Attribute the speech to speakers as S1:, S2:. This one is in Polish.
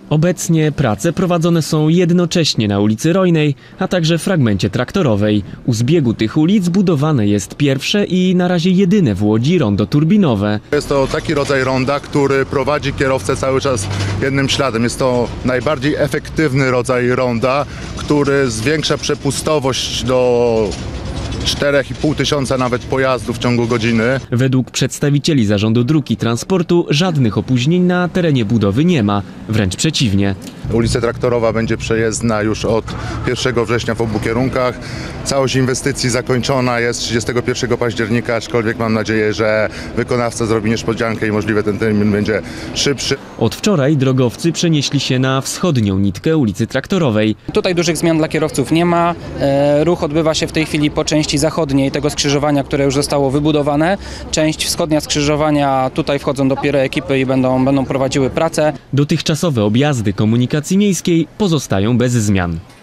S1: Obecnie prace prowadzone są jednocześnie na ulicy Rojnej, a także fragmencie Traktorowej. U zbiegu tych ulic budowane jest pierwsze i na razie jedyne w Łodzi rondo turbinowe.
S2: Jest to taki rodzaj ronda, który prowadzi kierowcę cały czas jednym śladem. Jest to najbardziej efektywny rodzaj ronda, który zwiększa przepustowość do 4,5 tysiąca nawet pojazdów w ciągu godziny.
S1: Według przedstawicieli Zarządu Dróg i Transportu żadnych opóźnień na terenie budowy nie ma, wręcz przeciwnie.
S2: Ulica Traktorowa będzie przejezdna już od 1 września w obu kierunkach. Całość inwestycji zakończona jest 31 października, aczkolwiek mam nadzieję, że wykonawca zrobi niespodziankę i możliwe ten termin będzie szybszy.
S1: Od wczoraj drogowcy przenieśli się na wschodnią nitkę ulicy Traktorowej.
S3: Tutaj dużych zmian dla kierowców nie ma. Ruch odbywa się w tej chwili po części zachodniej tego skrzyżowania, które już zostało wybudowane. Część wschodnia skrzyżowania, tutaj wchodzą dopiero ekipy i będą prowadziły pracę.
S1: Dotychczasowe objazdy komunikacji miejskiej pozostają bez zmian.